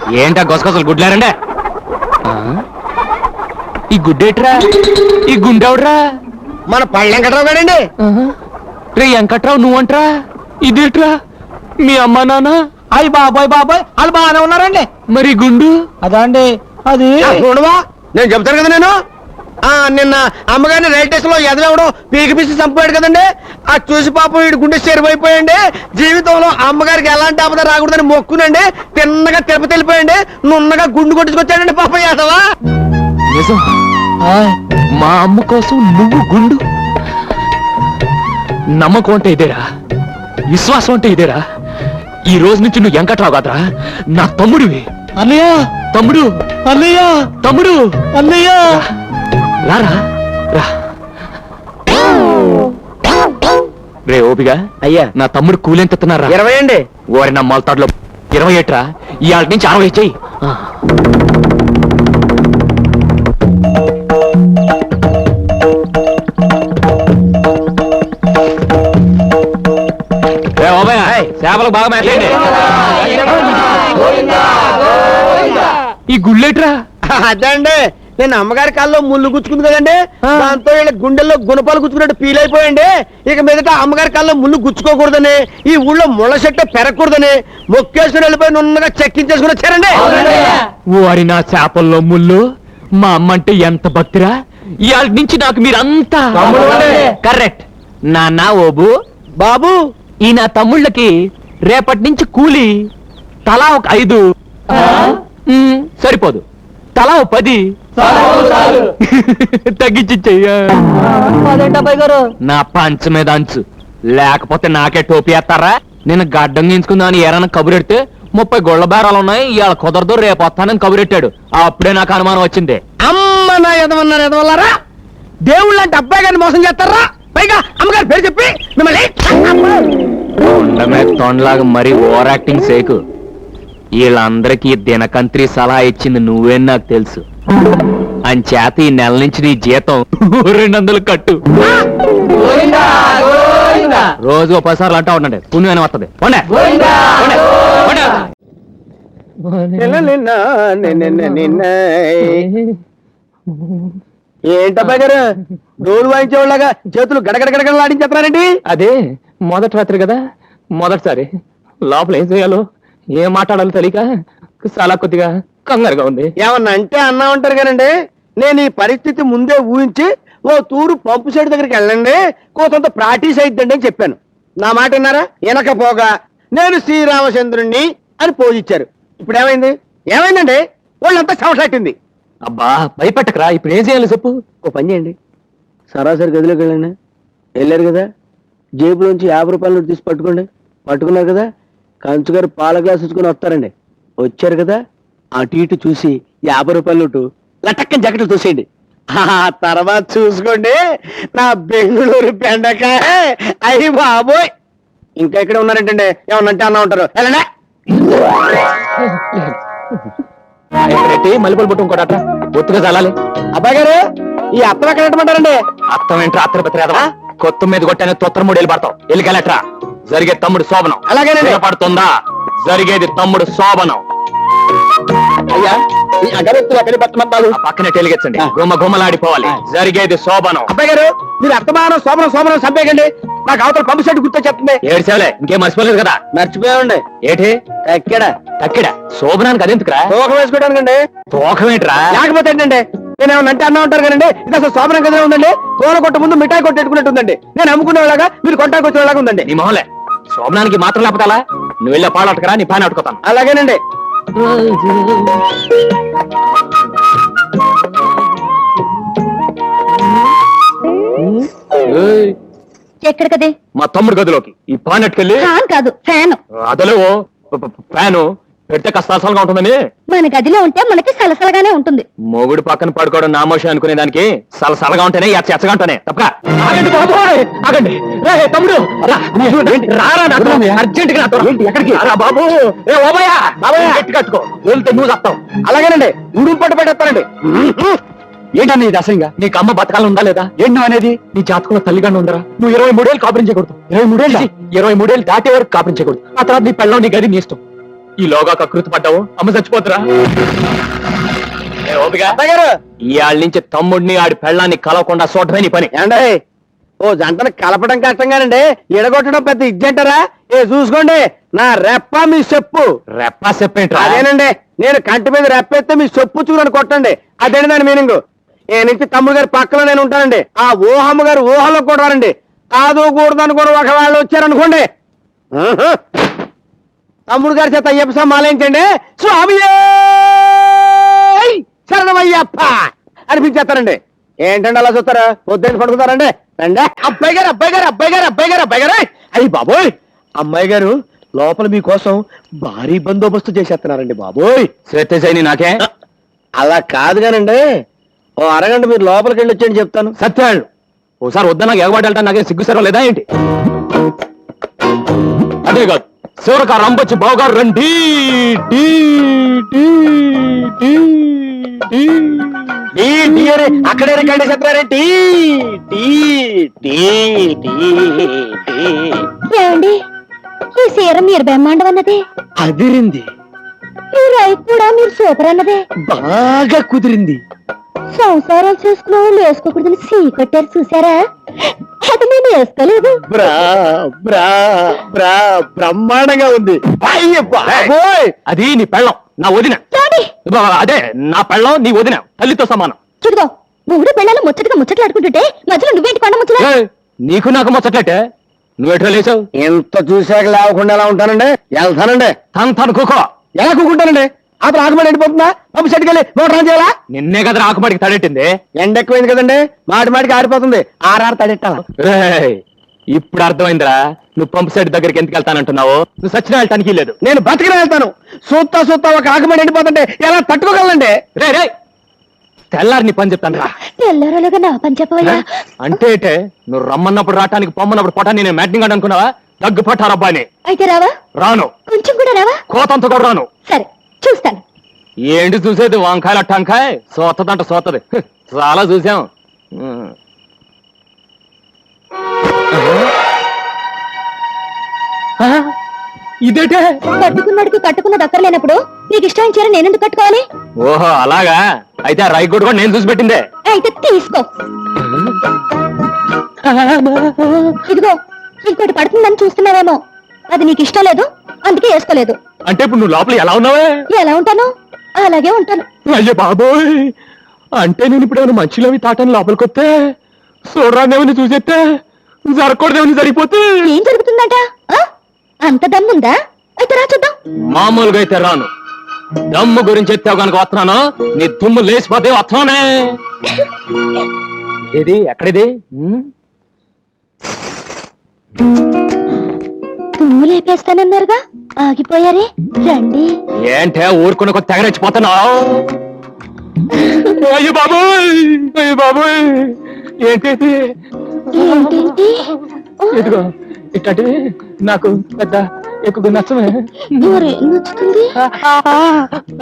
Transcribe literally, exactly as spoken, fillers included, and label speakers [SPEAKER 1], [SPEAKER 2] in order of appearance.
[SPEAKER 1] ఏంటా గొసగొసలు గుడ్లారండే? ఈ గుడ్డేట్రా? ఈ గుండెవడ్రా?
[SPEAKER 2] మన పళ్ళ వెంకట్రావు గారండి.
[SPEAKER 1] రే వెంకట్రావు నువ్వంట్రా? ఇదేట్రా మీ అమ్మా నాన్న?
[SPEAKER 2] అయ్యి బాబాయ్ బాబాయ్ వాళ్ళు బాగానే ఉన్నారండి.
[SPEAKER 1] మరి గుండు
[SPEAKER 2] అదా అండి అది చూడవా, నేను చెప్తాను కదా. నేను ఆ నిన్న అమ్మగారిని రైల్ స్టేషన్ లో ఎదవడం పీకి పీసి చంపాడు కదండి. ఆ చూసి పాపం వీడి గుండె చెరువైపోయండి. జీవితంలో అమ్మగారికి ఎలాంటి ఆపద రాకూడదని మొక్కునండి. తిన్నగా తిరుపతి వెళ్ళిపోయండి. నున్నగా గుండు కొట్టించుకొచ్చాడండి పాపం యాదవా.
[SPEAKER 1] నిజం? మా అమ్మ కోసం నువ్వు గుండు? నమ్మకం అంటే ఇదేరా, విశ్వాసం అంటే ఇదేరా. ఈ రోజు నుంచి నువ్వు వెంకట్రావు కాదురా, నా తమ్ముడివి.
[SPEAKER 2] అన్నయ్య
[SPEAKER 1] తమ్ముడు,
[SPEAKER 2] అన్నయ్య
[SPEAKER 1] తమ్ముడు,
[SPEAKER 2] అన్నయ్య
[SPEAKER 1] రారా రా. రే ఓపిగా
[SPEAKER 2] అయ్యా,
[SPEAKER 1] నా తమ్ముడు కూలెంత ఎత్తున్నారా?
[SPEAKER 2] ఇరవై అండి.
[SPEAKER 1] ఓరి నా మొలతాడులో ఇరవై ఏట్రా. ఇవాళ నుంచి అరవై చెయ్యి. చేపలకు బాగా మేతండి. ఈ గుళ్ళేట్రా?
[SPEAKER 2] అదండి నేను అమ్మగారి కాల్లో ముళ్ళు గుచ్చుకుంది కదండి, దాంతో వీళ్ళ గుండెల్లో గుణపాలు గుచ్చుకున్నట్టు ఫీల్ అయిపోయండి. ఇక మీదట అమ్మగారి కాల్లో ముళ్ళు గుచ్చుకోకూడదని, ఈ ఊళ్ళో ముళ్ళ చెట్టు పెరగకూడదని మొక్కేసుకుని వెళ్ళిపోయి నున్నగా చెక్కించేసుకుని వచ్చారండి.
[SPEAKER 1] ఓరి నా చేపల్లో ముళ్ళు. మా అమ్మ అంటే ఎంత భక్తిరా. ఇవాళ నుంచి నాకు మీరంతా కరెక్ట్. నాన్న ఓబు
[SPEAKER 2] బాబు,
[SPEAKER 1] ఈ నా తమ్ముళ్ళకి రేపటి నుంచి కూలి తలా ఒక ఐదు సరిపోదు, తలా ఒక పది తగ్గించి చెయ్య. నా పంచ మీద అంచు, లేకపోతే నాకే టోపీ వేస్తారా? నేను గడ్డం గించుకుందామని ఏరైనా కబురెడితే ముప్పై గొళ్ళ బేరాలు ఉన్నాయి, ఇవాళ కుదరదు రేపు వస్తానని కబురెట్టాడు. అప్పుడే నాకు అనుమానం వచ్చింది.
[SPEAKER 2] అమ్మ నా ఎదవన్నారు ఎదవల్లారా, దేవుళ్ళు అంటే అబ్బాయి గారిని మోసం చేస్తారా? పైగా అమ్మగారి పేరు చెప్పి మిమ్మల్ని
[SPEAKER 1] తొండమే తొండలాగా మరీ ఓవర్ యాక్టింగ్ సేకు. వీళ్ళందరికీ దినకంత్రి సలహా ఇచ్చింది నువ్వేని నాకు తెలుసు. అంచేత ఈ నెల నుంచి నీ జీతం రెండు వందలు కట్టు. రోజు ఒక పది సార్లు అంటా ఉండండి, పుణ్యమైన వస్తుంది.
[SPEAKER 2] ఏంటబ్బాయి గారు డోలు వాయించేవాళ్ళగా చేతులు గడగడ గడగడలు ఆడించేస్తున్నారండి?
[SPEAKER 1] అదే మొదటి రాత్రి కదా, మొదటిసారి లోపల ఏం చేయాలో ఏం మాట్లాడాలో తెలియక చాలా కొద్దిగా కంగారుగా ఉంది.
[SPEAKER 2] ఏమన్నా అంటే అన్నా ఉంటారు కానండి, నేను ఈ పరిస్థితి ముందే ఊహించి ఓ తూరు పంపు సైడ్ దగ్గరికి వెళ్ళండి, కోసంత ప్రాక్టీస్ అయిద్దండి అని చెప్పాను. నా మాట విన్నారా? వెనకపోగా నేను శ్రీరామచంద్రుణ్ణి అని పోజిచ్చారు. ఇప్పుడు ఏమైంది? ఏమైందండి? వాళ్ళంతా చవసట్టింది.
[SPEAKER 1] అబ్బా భయపెట్టకరా, ఇప్పుడు ఏం చేయాలి చెప్పు.
[SPEAKER 2] ఓ పని చేయండి, సరాసరి గదిలోకి వెళ్ళండి. వెళ్ళారు కదా, జేబులోంచి యాభై రూపాయలు తీసి పట్టుకోండి. పట్టుకున్నారు కదా, కంచుగారు పాల గ్లాస్ ఇచ్చుకుని వస్తారండి. వచ్చారు కదా, అటు ఇటు చూసి యాభై రూపాయల నోటు లటక్కని జాకెట్లు తోసేయండి. ఆ తర్వాత చూసుకోండి నా బెంగళూరు బెండకాయ. అయ్యి బాబోయ్, ఇంకా ఇక్కడ ఉన్నారంటండి, ఏమన్నంటే అన్నా ఉంటారు. వెళ్ళండి.
[SPEAKER 1] మల్లెపూలు పుట్టు ఇంకోట ఒత్తుగా చల్లాలి.
[SPEAKER 2] అబ్బాయి గారు, ఈ అత్తం ఎక్కడ పెట్టమంటారండి?
[SPEAKER 1] అత్తం ఏంట్రా? అత్తర పెద్దరా కొత్త మీద కొట్టాను తొత్తర మూడు వెళ్ళి పడతావు. వెళ్ళికెళ్ళట్రా. జరిగే తమ్ముడు శోభనం.
[SPEAKER 2] అలాగేనండి.
[SPEAKER 1] పడుతుందా? జరిగేది తమ్ముడు శోభనం.
[SPEAKER 2] అయ్యా, ఈ అగరత్తులు ఎక్కడి పెట్టమంటారు?
[SPEAKER 1] పక్కనే టెలిగెచ్చండి, గుమ్మ గుమ్మలాడిపోవాలి. జరిగేది శోభనం.
[SPEAKER 2] అబ్బాయి గారు, మీరు అత్తమానం శోభనం శోభనం చంపేయకండి. నాకు అవతల పంపు సెట్ గుర్తొచ్చేస్తుంది.
[SPEAKER 1] ఏడ్చేవలే, ఇంకేం మర్చిపోలేదు కదా?
[SPEAKER 2] మర్చిపోయామండి.
[SPEAKER 1] ఏటి
[SPEAKER 2] ఎక్కడ
[SPEAKER 1] తక్కిడ శోభనానికి అదెందుకురా?
[SPEAKER 2] తోకం వేసుకోవడానికండి.
[SPEAKER 1] తోకం ఏంట్రా?
[SPEAKER 2] లేకపోతే ఏంటండి, నేను ఏమన్నా అంటే అన్నా ఉంటారు కదండి. ఇది అసలు శోభనం కదా ఉందండి. తోల కొట్ట ముందు మిఠాయి కొట్టేట్టుకున్నట్టు ఉందండి. నేను అమ్ముకునేలాగా మీరు కొట్టాకి వచ్చేలాగా ఉందండి.
[SPEAKER 1] నీ మొహలే, శోభనానికి మాత్రం లేకపోతే అలా నువ్వు వెళ్ళే పాలు అట్టుకరా, నీ పైన అట్టుకోతాను.
[SPEAKER 2] అలాగేనండి.
[SPEAKER 3] ఎక్కడికదే?
[SPEAKER 1] మా తమ్ముడు గదిలోకి. ఈ పాన్ అట్టుకెళ్ళి.
[SPEAKER 3] ఫ్యాన్ కాదు, ఫ్యాన్.
[SPEAKER 1] అదలో ఫ్యాను పెడితే కష్టాసలుగా ఉంటుందని.
[SPEAKER 3] మన గదిలో ఉంటే మనకి సలసలగానే ఉంటుంది.
[SPEAKER 1] మొగుడు పక్కన పడుకోవడం నామోషం అనుకునే దానికి సలసలగా ఉంటేనే ఎచ్చగా ఉంటానే తప్ప. ఆగండి తమ్ముడు, అర్జెంట్ గా ఎక్కడికి రా బాబు. గట్టి కట్టుకో, వెళ్తే నువ్వు చెప్తావు.
[SPEAKER 2] అలాగేనండి, ఉడుం పట్టు పెట్టేస్తానండి.
[SPEAKER 1] ఏంటన్నా ఇది అసహ్యంగా? నీకు అమ్మ బతకాలు ఉందా లేదా? ఏంటో అనేది నీ జాతకంలో తల్లిగానే ఉందరా. నువ్వు ఇరవై మూడేళ్ళు కాపురం చేయకూడదు. ఇరవై మూడేళ్ళు ఇరవై మూడేళ్ళు దాటే వరకు కాపురం చేయకూడదు. ఆ తర్వాత నీ పెళ్ళం నీ గది నీ ఇష్టం. ఈలోగా కకృతి పడ్డావు అమ్మ చచ్చిపోతురా ఏ ఓపిక
[SPEAKER 2] అబ్బాయి గారు
[SPEAKER 1] ఇవాళ నుంచి తమ్ముడిని ఆడి పెళ్ళాన్ని కలవకుండా చూడటమే నీ పని
[SPEAKER 2] ఏండే ఓ జంటను కలపడం కష్టంగానండి ఎడగొట్టడం పెద్ద ఇజ్జంటారా ఏ చూసుకోండి నా రెప్ప మీ చెప్పు
[SPEAKER 1] రెప్పా చెప్పేంట్రా
[SPEAKER 2] అదేనండి నేను కంటి మీద రెప్పేస్తే మీ చెప్పు చూడని కొట్టండి అదేంటి దాని మీనింగ్ ఏ నుంచి తమ్ముడు గారి పక్కలో నేను ఉంటానండి ఆ ఊహమ్మ గారు ఊహలో కూడా రానండి కాదు కూడదు అనుకోని ఒకవేళ వచ్చారనుకోండి ఆహా. తమ్ముడు గారి చేత అయ్యప్ప సమాలించండి స్వామి శరణమయ్యప్ప అనిపించేస్తారండి ఏంటండి అలా చూస్తారా పొద్దున్న పడుకుతారండి రండి అబ్బాయి గారు అబ్బాయి గారు అబ్బాయి గారు అబ్బాయి గారు అబ్బాయి గారు అయ్యి బాబోయ్ అమ్మాయి గారు లోపల మీకోసం భారీ బందోబస్తు చేసేస్తున్నారండి బాబోయ్
[SPEAKER 1] శ్వేతజైని నాకే
[SPEAKER 2] అలా కాదు కానండి ఓ అరగంట మీరు లోపలికి వెళ్ళి వచ్చేయండి చెప్తాను
[SPEAKER 1] సత్యాళ్ళు ఓసారి వద్దా నాకు ఎగబడి నాకేం సిగ్గుసరం లేదా ఏంటి అదే కాదు శివరక రంపొచ్చి బావగారు రండి డీ, డీ, డీ, డీ.
[SPEAKER 2] టీ, టీ అని అక్కడే రికార్డ్ చెప్పారేంటి టీ టీ టీ టీ
[SPEAKER 3] ఏమండి ఈ సీర మీరు బ్రహ్మాండం అన్నదే
[SPEAKER 2] అదిరింది
[SPEAKER 3] ఈ రైతు కూడా మీరు సూపర్ అన్నదే
[SPEAKER 2] బాగా కుదిరింది
[SPEAKER 3] సంసారాలు చేసుకున్న వాళ్ళు వేసుకోకూడదని సీ కొట్టారు చూసారా అది నేను వేసుకోలేదు
[SPEAKER 2] బ్రా బ్రా బ్రా బ్రహ్మాండంగా ఉంది అయ్య బాబోయ్
[SPEAKER 1] అది నీ పెళ్ళం నా వదిన
[SPEAKER 3] రాడి
[SPEAKER 1] అదే నా పెళ్ళం నీ వదిన తల్లితో సమానం
[SPEAKER 3] చూడుగో మూడు పిల్లలు ముచ్చటగా ముచ్చట్లాడుకుంటుంటే మధ్యలో నువ్వేంటి కొండ ముచ్చట
[SPEAKER 1] ఏయ్, నీకు నాకు ముచ్చట్లయితే నువ్వెట్లా లేచావు
[SPEAKER 2] ఎంత చూశాక లేవకుండా ఎలా ఉంటానండి వెళ్తానండి
[SPEAKER 1] తను తను కుకో
[SPEAKER 2] ఎలా కూకుంటానండి అతను ఆకుమడి ఎండిపోతుందా పంపు సెట్కి వెళ్ళి మోటార్ ఆన్ చేయాలా
[SPEAKER 1] నిన్నే కదా ఆకుమాడికి తడెట్టింది
[SPEAKER 2] ఎండ ఎక్కువైంది కదండి మాటి మాటికి ఆరిపోతుంది ఆర్ఆర్ తడెట్టాలా
[SPEAKER 1] రేయ్, ఇప్పుడు అర్థమైందిరా నువ్వు పంపు సెట్ దగ్గరికి ఎందుకు వెళ్తానంటున్నావు నువ్వు సచిన వెళ్ళటానికి లేదు
[SPEAKER 2] నేను బతికిన వెళ్తాను సూత్తా సూత్తా ఒక ఆకుమడి ఎండిపోతుంటే ఎలా తట్టుకోగలండి
[SPEAKER 1] రే రే తెల్లారి నీ పని చెప్తాను రా
[SPEAKER 3] తెల్లరోలుగా నా పని చెప్పవయ్యా
[SPEAKER 1] అంటే ఏటే, నువ్వు రమ్మన్నప్పుడు రావటానికి పొమ్మన్నప్పుడు పొటాన్ని నేను మ్యాటింగ్ అనుకున్నావా దగ్గు పట్టారబ్బా అని
[SPEAKER 3] అయితే రావా
[SPEAKER 1] రాను
[SPEAKER 3] కొంచెం కూడా రావా
[SPEAKER 1] కోతంత కూడా రాను
[SPEAKER 3] సరే చూస్తాను
[SPEAKER 1] ఏంటి చూసేది వంకాయల టంకాయ సోతదంట సోతది హ్, చాలా చూసాం ఉమ్. ఆ, ఇదేటే
[SPEAKER 3] కట్టుకున్నాడికి కట్టుకున్న దక్కర్లేనప్పుడు నీకు ఇష్టమైన చీర నేనెందుకు కట్టుకోవాలి
[SPEAKER 1] ఓహో అలాగా అయితే ఆ రైట్ కూడా నేను చూసి పెట్టిందే
[SPEAKER 3] అయితే తీసుకో ఇదిగో ఇంకోటి పడుతుందని చూస్తున్నావేమో అది నీకు ఇష్టం లేదు అందుకే వేసుకోలేదు
[SPEAKER 1] అంటే ఇప్పుడు నువ్వు లోపల ఎలా ఉన్నావే
[SPEAKER 3] ఎలా ఉంటాను అలాగే ఉంటాను
[SPEAKER 1] అయ్యో బాబోయ్ అంటే నేను ఇప్పుడు ఏమైనా మంచిలోవి తాటాను లోపలికి వస్తే చూడరాదేమని చూసేస్తే జరగకూడదేమని జరిగిపోతే
[SPEAKER 3] ఏం జరుగుతుందట ఆ? అంత దమ్ముందా అయితే రా చూద్దాం
[SPEAKER 1] మామూలుగా అయితే రాను దమ్ము గురించి ఎత్తావు కనుక వస్తున్నాను నీ దుమ్ము లేచిపోతే వస్తున్నానే ఏది ఎక్కడిది ఉమ్?
[SPEAKER 3] తుమ్ము లేపేస్తానన్నారుగా ఆగిపోయారే రండి
[SPEAKER 1] ఏంటే ఊరుకుని కొద్ది తెగరెచ్చిపోతున్నావు అయ్యో బాబోయ్ అయ్యో బాబోయ్ ఏంటి
[SPEAKER 3] ఏంటేంటి
[SPEAKER 1] ఇదిగో ఇట్లాంటివి నాకు పెద్ద ఎక్కువ నచ్చమే
[SPEAKER 3] మరి నచ్చుతుంది